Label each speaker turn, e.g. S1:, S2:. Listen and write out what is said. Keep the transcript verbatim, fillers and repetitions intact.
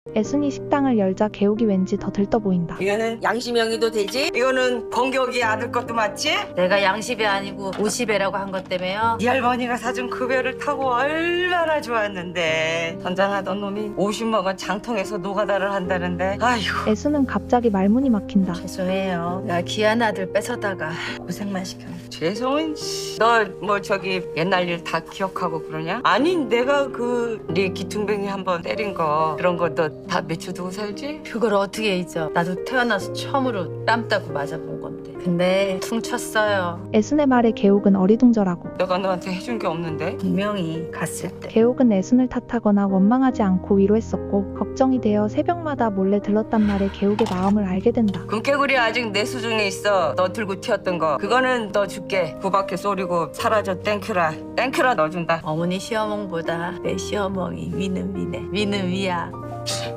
S1: 애순이 식당을 열자 개옥이 왠지 더 들떠 보인다.
S2: 이거는 양심형이도 되지? 이거는 건격이 아들 것도 맞지?
S3: 내가 양십이 아니고 오십배라고 한 것 때문에요.
S2: 네 할머니가 사준 그 배를 타고 얼마나 좋았는데 선장하던 놈이 오십 먹은 장통에서 노가다를 한다는데 아이고
S1: 애순은 갑자기 말문이 막힌다.
S3: 죄송해요. 나 귀한 아들 뺏어다가 고생만 시켰네.
S2: 죄송은 너 뭐 저기 옛날 일 다 기억하고 그러냐? 아니 내가 그 네 기퉁뱅이 한번 때린 거 그런 거 너 다 맺혀두고 살지?
S3: 그걸 어떻게 잊어? 나도 태어나서 처음으로 땀 따고 맞아본 건데. 근데 퉁쳤어요.
S1: 애순의 말에 개옥은 어리둥절하고
S2: 내가 너한테 해준 게 없는데
S3: 분명히 갔을 때.
S1: 개옥은 애순을 탓하거나 원망하지 않고 위로했었고 걱정이 되어 새벽마다 몰래 들렀단 말에 개옥의 마음을 알게 된다.
S2: 금깨구리 아직 내 수중에 있어. 너 들고 튀었던 거 그거는 너 줄게. 그 밖에 쏘리고 사라져. 땡큐라 땡큐라 넣어준다.
S3: 어머니 시어멍보다 내 시어멍이 위는 위네. 위는 위야.